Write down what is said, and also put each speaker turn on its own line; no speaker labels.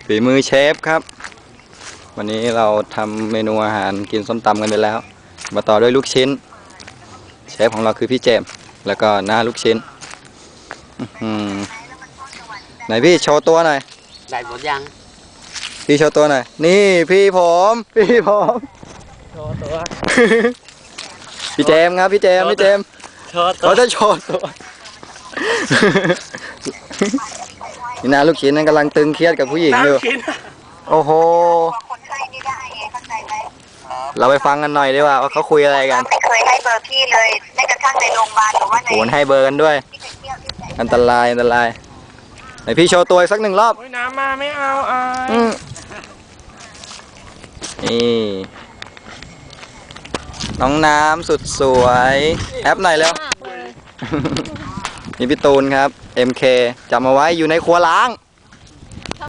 ฝีมือเชฟครับวันนี้เราทำเมนูอาหารกินส้มตำกันไปแล้วมาต่อด้วยลูกชิ้นเชฟของเราคือพี่เจมส์แล้วก็หน้าลูกชิ้นไหนพี่โชว์ตัวหน่อย
ได้หมดยัง
พี่โชว์ตัวหน่อยนี่พี่ผม
โชว์ตัว
พี่เจมส์ครับพี่เจมส์เขาจะโชว์ตัวนี่หน้าลูกชิ้นนั้นกำลังตึงเครียดกับผู้หญิงอยู่โอ้โหเราไปฟังกันหน่อยดีกว่าเขาคุยอะไรกัน
ไม่เคยให้เบอร์พี่เลยแม้กระทั่งในโรงพยาบาลหรือว่าใน
โหนให้เบอร์กันด้วยอันตรายไหนพี่โชว์ตัวอีกสักหนึ่งรอบ
น้ำมาไม่เอา
นี่น้องน้ำสุดสวยแอปหน่อยแล้วนี่พี่ตูนครับ MK จำเอาไว้อยู่ในครัวล้าง